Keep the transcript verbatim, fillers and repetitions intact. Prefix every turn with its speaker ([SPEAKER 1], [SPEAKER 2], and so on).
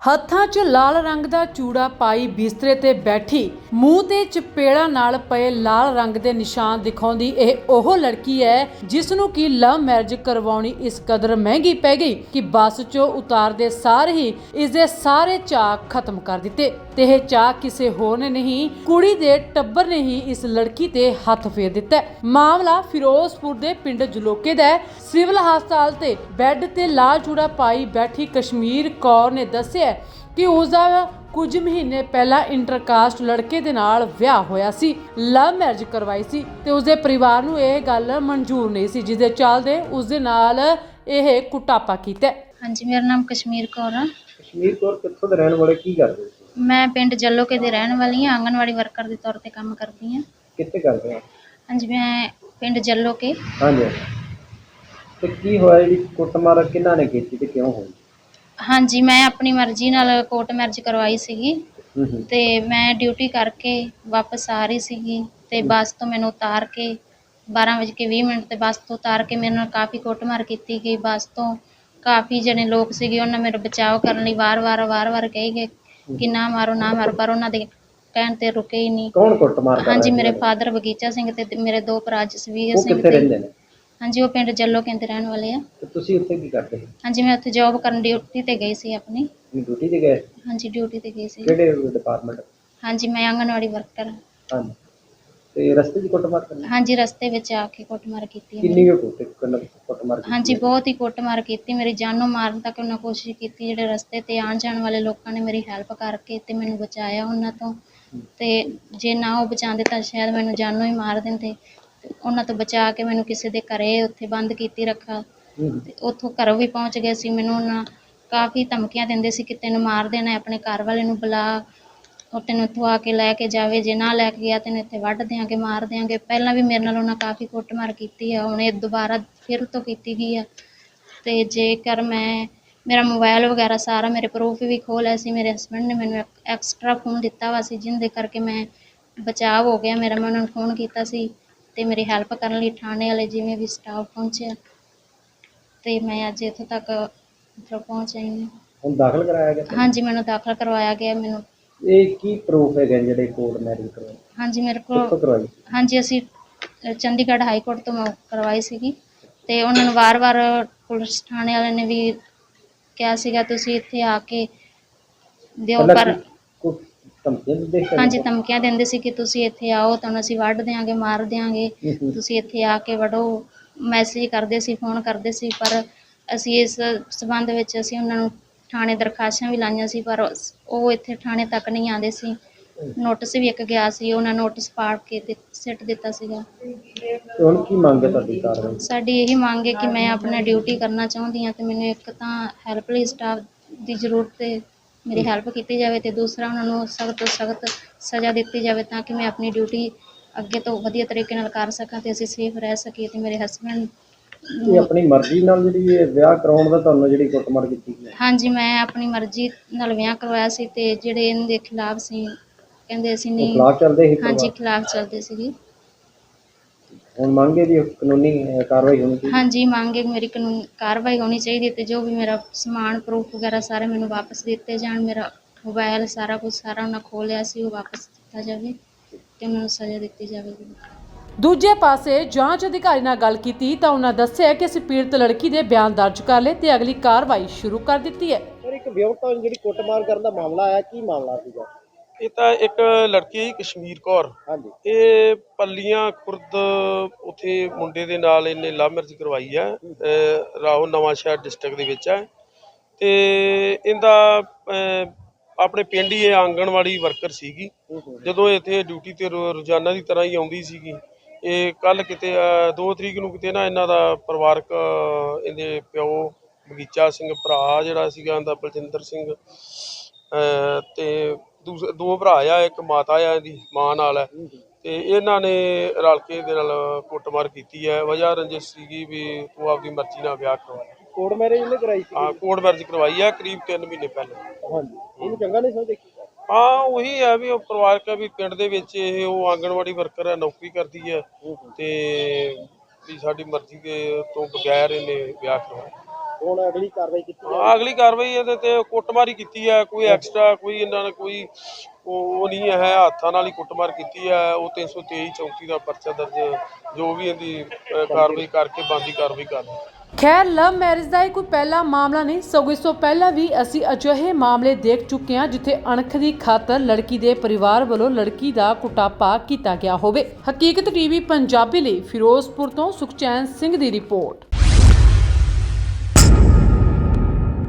[SPEAKER 1] ਹੱਥਾਂ 'ਚ ਲਾਲ ਰੰਗ ਦਾ ਚੂੜਾ ਪਾਈ ਬਿਸਤਰੇ ਤੇ ਬੈਠੀ ਮੂੰਹ ਤੇ ਚਪੇੜਾਂ ਨਾਲ ਪਏ ਲਾਲ ਰੰਗ ਦੇ ਨਿਸ਼ਾਨ ਦਿਖਾਉਂਦੀ ਇਹ ਉਹ ਲੜਕੀ ਹੈ ਜਿਸ ਨੂੰ ਕਿ ਲਵ ਮੈਰਿਜ ਕਰਵਾਉਣੀ ਇਸ ਕਦਰ ਮਹਿੰਗੀ ਪੈ ਗਈ ਕਿ ਬੱਸ 'ਚੋਂ ਉਤਾਰਦੇ ਸਾਰ ਹੀ ਇਸ ਦੇ ਸਾਰੇ ਚਾਅ ਖਤਮ ਕਰ ਦਿੱਤੇ। ਤੇ ਇਹ ਚਾਅ ਕਿਸੇ ਹੋਰ ਨੇ ਨਹੀਂ, ਕੁੜੀ ਦੇ ਟੱਬਰ ਨੇ ਹੀ ਇਸ ਲੜਕੀ ਤੇ ਹੱਥ ਫੇਰ ਦਿੱਤਾ। ਮਾਮਲਾ ਫਿਰੋਜ਼ਪੁਰ ਦੇ ਪਿੰਡ ਜਲੋਕੇ ਦਾ ਹੈ। ਸਿਵਲ ਹਸਪਤਾਲ ਤੇ ਬੈੱਡ ਤੇ ਲਾਲ ਚੂੜਾ ਪਾਈ ਬੈਠੀ ਕਸ਼ਮੀਰ ਕੌਰ ਨੇ ਦੱਸਿਆ ਕਿ ਉਸਦਾ ਕੁਝ ਮਹੀਨੇ ਪਹਿਲਾਂ ਇੰਟਰਕਾਸਟ ਲੜਕੇ ਦੇ ਨਾਲ ਵਿਆਹ ਹੋਇਆ ਸੀ। ਲਵ ਮੈਰਿਜ ਕਰਵਾਈ ਸੀ ਤੇ ਉਸਦੇ ਪਰਿਵਾਰ ਨੂੰ ਇਹ ਗੱਲ ਮਨਜ਼ੂਰ ਨਹੀਂ ਸੀ, ਜਿਸ ਦੇ ਚੱਲਦੇ ਉਸਦੇ ਨਾਲ ਇਹ ਕੁਟਾਪਾ ਕੀਤਾ।
[SPEAKER 2] ਹਾਂਜੀ, ਮੇਰਾ ਨਾਮ ਕਸ਼ਮੀਰ ਕੌਰ ਆ।
[SPEAKER 3] ਕਸ਼ਮੀਰ ਕੌਰ ਕਿੱਥੋਂ ਦੇ ਰਹਿਣ ਵਾਲੇ, ਕੀ ਕਰਦੇ ਹੋ?
[SPEAKER 2] ਮੈਂ ਪਿੰਡ ਜਲੋਕੇ ਦੀ ਰਹਿਣ ਵਾਲੀ ਹਾਂ, ਆਂਗਣਵਾੜੀ ਵਰਕਰ ਦੇ ਤੌਰ ਤੇ ਕੰਮ ਕਰਦੀ ਹਾਂ।
[SPEAKER 3] ਕਿੱਥੇ ਕਰਦੇ ਹੋ?
[SPEAKER 2] ਹਾਂਜੀ, ਮੈਂ ਪਿੰਡ ਜਲੋਕੇ।
[SPEAKER 3] ਹਾਂਜੀ, ਤੇ ਕੀ ਹੋਇਆ, ਜਿਹੜੀ ਕੁੱਟਮਾਰ ਕਿਹਨਾਂ ਨੇ ਕੀਤੀ ਤੇ ਕਿਉਂ ਹੋਈ?
[SPEAKER 2] ਹਾਂਜੀ, ਮੈਂ ਆਪਣੀ ਮਰਜ਼ੀ ਨਾਲ ਕੋਰਟ ਮੈਰਿਜ ਕਰਵਾਈ ਸੀਗੀ ਤੇ ਮੈਂ ਡਿਊਟੀ ਕਰਕੇ ਵਾਪਸ ਆ ਰਹੀ ਸੀਗੀ ਤੇ ਬੱਸ ਤੋਂ ਮੈਨੂੰ ਉਤਾਰ ਕੇ ਬਾਰਾਂ ਵਜੇ ਕੇ ਵੀਹ ਮਿੰਟ ਤੇ ਬੱਸ ਤੋਂ ਉਤਾਰ ਕੇ ਮੇਰੇ ਨਾਲ ਕਾਫੀ ਕੁੱਟਮਾਰ ਕੀਤੀ ਗਈ। ਬੱਸ ਤੋਂ ਕਾਫੀ ਜਣੇ ਲੋਕ ਸੀਗੇ, ਉਹਨਾਂ ਮੇਰਾ ਬਚਾਅ ਕਰਨ ਲਈ ਵਾਰ-ਵਾਰ ਵਾਰ-ਵਾਰ ਕਹੀ ਗਏ ਕਿ ਨਾ ਮਾਰੋ ਨਾ ਮਾਰੋ, ਪਰ ਉਹਨਾਂ ਦੇ ਕਹਿਣ ਤੇ ਰੁਕੇ ਹੀ ਨਹੀਂ।
[SPEAKER 3] ਕੌਣ ਕੁੱਟਮਾਰ ਕਰ ਰਿਹਾ?
[SPEAKER 2] ਹਾਂਜੀ, ਮੇਰੇ ਫਾਦਰ ਬਗੀਚਾ ਸਿੰਘ ਤੇ ਮੇਰੇ ਦੋ ਭਰਾ ਜਸਵੀਰ ਸਿੰਘ
[SPEAKER 3] ਕਿੱਥੇ ਰਹਿੰਦੇ ਨੇ?
[SPEAKER 2] ਹਾਂਜੀ, ਉਹ ਪਿੰਡ ਜਲੋਕੇ ਦੇ ਰਹਿਣ ਵਾਲੇ ਆ।
[SPEAKER 3] ਤੇ ਤੁਸੀਂ ਉੱਥੇ ਕੀ ਕਰਦੇ ਹੋ?
[SPEAKER 2] ਹਾਂਜੀ, ਮੈਂ ਉੱਥੇ ਜੌਬ ਕਰਨ ਡਿਊਟੀ ਤੇ ਗਈ ਸੀ ਆਪਣੀ।
[SPEAKER 3] ਡਿਊਟੀ ਤੇ ਗਏ?
[SPEAKER 2] ਹਾਂਜੀ, ਡਿਊਟੀ ਤੇ ਗਈ ਸੀ।
[SPEAKER 3] ਕਿਹੜੇ ਡਿਪਾਰਟਮੈਂਟ?
[SPEAKER 2] ਹਾਂਜੀ, ਮੈਂ ਆਂਗਣਵਾੜੀ ਵਰਕਰ।
[SPEAKER 3] ਹਾਂਜੀ, ਤੇ ਰਸਤੇ 'ਚ ਕੁੱਟਮਾਰ ਕਰਨੀ?
[SPEAKER 2] ਹਾਂਜੀ, ਰਸਤੇ ਵਿੱਚ ਆ ਕੇ ਕੁੱਟਮਾਰ ਕੀਤੀ।
[SPEAKER 3] ਕਿੰਨੀ ਕੁ ਕੁੱਟਮਾਰ ਕੀਤੀ?
[SPEAKER 2] ਹਾਂਜੀ, ਬਹੁਤ ਹੀ ਕੁੱਟਮਾਰ ਕੀਤੀ, ਮੇਰੀ ਜਾਨੋਂ ਮਾਰਨ ਤੱਕ ਉਹਨਾਂ ਕੋਸ਼ਿਸ਼ ਕੀਤੀ। ਜਿਹੜੇ ਰਸਤੇ ਤੇ ਆਉਣ ਜਾਣ ਵਾਲੇ ਲੋਕਾਂ ਨੇ ਮੇਰੀ ਹੈਲਪ ਕਰਕੇ ਤੇ ਮੈਨੂੰ ਬਚਾਇਆ ਉਹਨਾਂ ਤੋਂ, ਤੇ ਜੇ ਨਾ ਉਹ ਬਚਾਉਂਦੇ ਤਾਂ ਸ਼ਾਇਦ ਮੈਨੂੰ ਜਾਨੋਂ ਹੀ ਮਾਰ ਦਿੰਦੇ। ਉਹਨਾਂ ਤੋਂ ਬਚਾ ਕੇ ਮੈਨੂੰ ਕਿਸੇ ਦੇ ਘਰੇ ਉੱਥੇ ਬੰਦ ਕੀਤੀ ਰੱਖਾ ਤੇ ਉੱਥੋਂ ਘਰੋਂ ਵੀ ਪਹੁੰਚ ਗਏ ਸੀ। ਮੈਨੂੰ ਉਹਨਾਂ ਕਾਫੀ ਧਮਕੀਆਂ ਦਿੰਦੇ ਸੀ ਕਿ ਤੈਨੂੰ ਮਾਰ ਦੇਣਾ, ਆਪਣੇ ਘਰ ਵਾਲੇ ਨੂੰ ਬੁਲਾ, ਉਹ ਤੈਨੂੰ ਇੱਥੋਂ ਆ ਕੇ ਲੈ ਕੇ ਜਾਵੇ, ਜੇ ਨਾ ਲੈ ਕੇ ਗਿਆ ਤੈਨੂੰ ਇੱਥੇ ਵੱਢ ਦਿਆਂਗੇ, ਮਾਰ ਦਿਆਂਗੇ। ਪਹਿਲਾਂ ਵੀ ਮੇਰੇ ਨਾਲ ਉਹਨਾਂ ਕਾਫੀ ਕੁੱਟਮਾਰ ਕੀਤੀ ਆ, ਹੁਣ ਇਹ ਦੁਬਾਰਾ ਫਿਰ ਤੋਂ ਕੀਤੀ ਗਈ ਆ। ਤੇ ਜੇਕਰ ਮੈਂ ਮੇਰਾ ਮੋਬਾਇਲ ਵਗੈਰਾ ਸਾਰਾ ਮੇਰੇ ਪ੍ਰੂਫ ਵੀ ਖੋਹ ਲਿਆ ਸੀ। ਮੇਰੇ ਹਸਬੈਂਡ ਨੇ ਮੈਨੂੰ ਐਕਸਟਰਾ ਫੋਨ ਦਿੱਤਾ ਵਾ ਸੀ, ਜਿਹਦੇ ਕਰਕੇ ਮੈਂ ਬਚਾਅ ਹੋ ਗਿਆ ਮੇਰਾ। ਮੈਂ ਉਹਨਾਂ ਨੂੰ ਫੋਨ ਕੀਤਾ ਸੀ ਤੇ ਮੇਰੀ ਹੈਲਪ ਕਰਨ ਲਈ ਥਾਣੇ ਵਾਲੇ ਜਿਵੇਂ ਵੀ ਸਟਾਫ ਪਹੁੰਚਿਆ ਤੇ ਮੈਂ ਅੱਜ ਇੱਥੋਂ ਤੱਕ ਮਤਲਬ ਪਹੁੰਚ ਆਈ ਹਾਂ।
[SPEAKER 3] ਹੁਣ ਦਾਖਲ ਕਰਾਇਆ ਗਿਆ?
[SPEAKER 2] ਹਾਂਜੀ, ਮੈਨੂੰ ਦਾਖਲ ਕਰਵਾਇਆ ਗਿਆ। ਮੈਨੂੰ
[SPEAKER 3] ਇਹ ਕੀ ਪ੍ਰੂਫ ਹੈਗੇ ਜਿਹੜੇ ਕੋਰਟ ਮੈਰਿਜ ਕਰਵਾਏ?
[SPEAKER 2] ਹਾਂਜੀ, ਮੇਰੇ ਕੋਲ ਹਾਂਜੀ ਅਸੀਂ ਚੰਡੀਗੜ੍ਹ ਹਾਈ ਕੋਰਟ ਤੋਂ ਮੈਂ ਕਰਵਾਈ ਸੀਗੀ ਤੇ ਉਹਨਾਂ ਨੂੰ ਵਾਰ-ਵਾਰ ਪੁਲਿਸ ਥਾਣੇ ਵਾਲਿਆਂ ਨੇ ਵੀ ਕਿਹਾ ਸੀਗਾ ਤੁਸੀਂ ਇੱਥੇ ਆ ਕੇ ਦਿਓ, ਪਰ ਹਾਂਜੀ ਧਮਕੀਆਂ ਦਿੰਦੇ ਸੀ ਕਿ ਤੁਸੀਂ ਇੱਥੇ ਆਓ ਤੁਹਾਨੂੰ ਅਸੀਂ ਵੱਢ ਦਿਆਂਗੇ, ਮਾਰ ਦਿਆਂਗੇ, ਤੁਸੀਂ ਇੱਥੇ ਆ ਕੇ ਵੜੋ। ਮੈਸੇਜ ਕਰਦੇ ਸੀ, ਫੋਨ ਕਰਦੇ ਸੀ, ਪਰ ਅਸੀਂ ਇਸ ਸੰਬੰਧ ਵਿੱਚ ਅਸੀਂ ਉਹਨਾਂ ਨੂੰ ਥਾਣੇ ਦਰਖਾਸਤਾਂ ਵੀ ਲਾਈਆਂ ਸੀ, ਪਰ ਉਹ ਇੱਥੇ ਥਾਣੇ ਤੱਕ ਨਹੀਂ ਆਉਂਦੇ ਸੀ। ਨੋਟਿਸ ਵੀ ਇੱਕ ਗਿਆ ਸੀ, ਉਹਨਾਂ ਨੋਟਿਸ ਪਾੜ ਕੇ ਤੇ ਸਿੱਟ ਦਿੱਤਾ ਸੀਗਾ।
[SPEAKER 3] ਹੁਣ ਕੀ ਮੰਗ ਹੈ ਤੁਹਾਡੀ ਕਾਰਵਾਈ?
[SPEAKER 2] ਸਾਡੀ ਇਹੀ ਮੰਗ ਹੈ ਕਿ ਮੈਂ ਆਪਣਾ ਡਿਊਟੀ ਕਰਨਾ ਚਾਹੁੰਦੀ ਹਾਂ ਤੇ ਮੈਨੂੰ ਇੱਕ ਤਾਂ ਹੈਲਪਲਾਈਨ ਸਟਾਫ ਦੀ ਜ਼ਰੂਰਤ ਹੈ, ਮੇਰੀ ਹੈਲਪ ਕੀਤੀ ਜਾਵੇ, ਤੇ ਦੂਸਰਾ ਉਹਨਾਂ ਨੂੰ ਸਖਤ ਤੋਂ ਸਖਤ ਸਜ਼ਾ ਦਿੱਤੀ ਜਾਵੇ ਤਾਂ ਕਿ ਮੈਂ ਆਪਣੀ ਡਿਊਟੀ ਅੱਗੇ ਤੋਂ ਵਧੀਆ ਤਰੀਕੇ ਨਾਲ ਕਰ ਸਕਾਂ ਤੇ ਅਸੀਂ ਸੇਫ ਰਹਿ ਸਕੀਏ ਤੇ ਮੇਰੇ ਹਸਬੈਂਡ
[SPEAKER 3] ਇਹ ਆਪਣੀ ਮਰਜ਼ੀ ਨਾਲ ਜਿਹੜੀ ਇਹ ਵਿਆਹ ਕਰਾਉਣ ਦਾ ਤੁਹਾਨੂੰ ਜਿਹੜੀ ਕੁੱਟਮਾਰ ਕੀਤੀ ਗਈ? ਹਾਂਜੀ,
[SPEAKER 2] ਮੈਂ ਆਪਣੀ ਮਰਜ਼ੀ ਨਾਲ ਵਿਆਹ ਕਰਵਾਇਆ ਸੀ ਤੇ ਜਿਹੜੇ ਇਹਨਾਂ ਦੇ ਖਿਲਾਫ ਸੀ ਕਹਿੰਦੇ ਅਸੀਂ ਨਹੀਂ।
[SPEAKER 3] ਖਿਲਾਫ ਚੱਲਦੇ ਸੀ?
[SPEAKER 2] ਹਾਂਜੀ, ਖਿਲਾਫ ਚੱਲਦੇ ਸੀਗੇ।
[SPEAKER 3] ਹੁਣ ਮੰਗ ਹੈ ਜੀ ਕਾਨੂੰਨੀ ਕਾਰਵਾਈ ਹੋਣੀ ਚਾਹੀਦੀ? ਹਾਂਜੀ,
[SPEAKER 2] ਮੰਗ ਹੈ ਮੇਰੀ ਕਾਨੂੰਨੀ ਕਾਰਵਾਈ ਹੋਣੀ ਚਾਹੀਦੀ ਤੇ ਜੋ ਵੀ ਮੇਰਾ ਸਮਾਨ ਪ੍ਰੂਫ ਵਗੈਰਾ ਸਾਰੇ ਮੈਨੂੰ ਵਾਪਸ ਦਿੱਤੇ ਜਾਣ। ਮੇਰਾ ਮੋਬਾਇਲ ਸਾਰਾ ਕੁਝ ਸਾਰਾ ਉਹਨਾਂ ਖੋਹ ਲਿਆ ਸੀ, ਉਹ ਵਾਪਸ ਦਿੱਤਾ ਜਾਵੇ ਤੇ ਉਹਨਾਂ ਨੂੰ ਸਜ਼ਾ ਦਿੱਤੀ ਜਾਵੇ।
[SPEAKER 1] ਦੂਜੇ ਪਾਸੇ ਜਾਂਚ ਅਧਿਕਾਰੀ ਨਾਲ ਗੱਲ ਕੀਤੀ ਤਾਂ ਉਹਨਾਂ ਦੱਸਿਆ ਕਿ ਅਸੀਂ ਪੀੜਤ ਲੜਕੀ ਦੇ ਬਿਆਨ ਦਰਜ ਕਰ ਲਏ ਤੇ ਅਗਲੀ ਕਾਰਵਾਈ ਸ਼ੁਰੂ ਕਰ ਦਿੱਤੀ ਹੈ।
[SPEAKER 3] ਸਰ, ਇੱਕ ਵਿਆਹੁਤਾ ਜਿਹੜੀ ਕੁੱਟਮਾਰ ਕਰਨ ਦਾ ਮਾਮਲਾ ਆਇਆ, ਕੀ ਮਾਮਲਾ ਸੀਗਾ?
[SPEAKER 4] ਇਹ ਤਾਂ ਇੱਕ ਲੜਕੀ ਕਸ਼ਮੀਰ ਕੌਰ,
[SPEAKER 3] ਹਾਂਜੀ, ਇਹ
[SPEAKER 4] ਪੱਲੀਆਂ ਖੁਰਦ ਉੱਥੇ ਮੁੰਡੇ ਦੇ ਨਾਲ ਇਹਨੇ ਲਵ ਮੈਰਿਜ ਕਰਵਾਈ ਹੈ, ਰਾਹੋਂ ਨਵਾਂ ਸ਼ਹਿਰ ਡਿਸਟ੍ਰਿਕਟ ਦੇ ਵਿੱਚ ਹੈ। ਤੇ ਇਹਦਾ ਆਪਣੇ ਪਿੰਡ ਹੀ ਇਹ ਆਂਗਣਵਾੜੀ ਵਰਕਰ ਸੀਗੀ। ਜਦੋਂ ਇੱਥੇ ਡਿਊਟੀ ਤੇ ਰੋਜ਼ਾਨਾ ਦੀ ਤਰ੍ਹਾਂ ਹੀ ਆਉਂਦੀ ਸੀਗੀ। ਇਹ ਕੱਲ ਕਿਤੇ ਦੋ ਤਰੀਕ ਨੂੰ ਕਿਤੇ ਨਾ ਇਹਨਾਂ ਦਾ ਪਰਿਵਾਰਕ ਇਹਦੇ ਪਿਓ ਬਗੀਚਾ ਸਿੰਘ, ਭਰਾ ਜਿਹੜਾ ਸੀਗਾ ਇਹਦਾ ਬਲਜਿੰਦਰ ਸਿੰਘ, ਤੇ ਦੂਸਰੇ ਦੋ ਭਰਾ ਆ, ਇੱਕ ਮਾਤਾ ਆ ਇਹਦੀ ਮਾਂ ਨਾਲ ਹੈ, ਤੇ ਇਹਨਾਂ ਨੇ ਰਲ ਕੇ ਇਹਦੇ ਨਾਲ ਕੁੱਟਮਾਰ ਕੀਤੀ ਹੈ। ਵਜ੍ਹਾ ਰੰਜਿਸ਼ ਸੀਗੀ ਵੀ ਤੂੰ ਆਪਦੀ ਮਰਜ਼ੀ ਨਾਲ ਵਿਆਹ ਕਰਵਾਇਆ।
[SPEAKER 3] ਕੋਰਟ ਮੈਰਿਜ ਇਹਨੇ ਕਰਾਈ ਸੀ?
[SPEAKER 4] ਹਾਂ, ਕੋਰਟ ਮੈਰਿਜ ਕਰਵਾਈ ਹੈ ਕਰੀਬ ਤਿੰਨ ਮਹੀਨੇ ਪਹਿਲਾਂ।
[SPEAKER 3] ਹਾਂਜੀ, ਇਹਨੂੰ ਚੰਗਾ ਨਹੀਂ ਸਮਝਦੇ?
[SPEAKER 4] ਹਾਂ, ਉਹੀ ਹੈ ਵੀ ਉਹ ਪਰਿਵਾਰਕ ਹੈ ਵੀ ਪਿੰਡ ਦੇ ਵਿੱਚ ਇਹ ਉਹ ਆਂਗਣਵਾੜੀ ਵਰਕਰ ਹੈ, ਨੌਕਰੀ ਕਰਦੀ ਹੈ ਤੇ ਵੀ ਸਾਡੀ ਮਰਜ਼ੀ ਦੇ ਤੋਂ ਬਗੈਰ ਇਹਨੇ ਵਿਆਹ ਕਰਵਾਇਆ।
[SPEAKER 3] ਹੁਣ ਅਗਲੀ ਕਾਰਵਾਈ ਕੀਤੀ
[SPEAKER 4] ਹਾਂ, ਅਗਲੀ ਕਾਰਵਾਈ ਇਹਦੇ ਤੇ ਕੁੱਟਮਾਰੀ ਕੀਤੀ ਹੈ, ਕੋਈ ਐਕਸਟਰਾ ਕੋਈ ਇਹਨਾਂ ਨੇ ਕੋਈ ਉਹ ਉਹ ਨਹੀਂ ਹੈ, ਹੱਥਾਂ ਨਾਲ ਹੀ ਕੁੱਟਮਾਰ ਕੀਤੀ ਹੈ। ਉਹ ਤਿੰਨ ਸੌ ਤੇਈ ਚੌਂਤੀ ਦਾ ਪਰਚਾ ਦਰਜ ਜੋ ਵੀ ਇਹਦੀ ਅ, ਕਾਰਵਾਈ ਕਰਕੇ ਬਣਦੀ ਕਾਰਵਾਈ ਕਰਨੀ।
[SPEAKER 1] ਖੈਰ ਲਵ ਮੈਰਿਜ ਦਾ ਇਹ ਕੋਈ ਪਹਿਲਾ ਮਾਮਲਾ ਨਹੀਂ, ਸਗੋਂ ਇਸ ਤੋਂ ਪਹਿਲਾਂ ਵੀ ਅਸੀਂ ਅਜਿਹੇ ਮਾਮਲੇ ਦੇਖ ਚੁੱਕੇ ਹਾਂ ਜਿੱਥੇ ਅਣਖ ਦੀ ਖਾਤਰ ਲੜਕੀ ਦੇ ਪਰਿਵਾਰ ਵੱਲੋਂ ਲੜਕੀ ਦਾ ਕੁਟਾਪਾ ਕੀਤਾ ਗਿਆ ਹੋਵੇ। ਹਕੀਕਤ ਟੀਵੀ ਪੰਜਾਬੀ ਲਈ ਫਿਰੋਜ਼ਪੁਰ ਤੋਂ ਸੁਖਚੈਨ ਸਿੰਘ ਦੀ ਰਿਪੋਰਟ।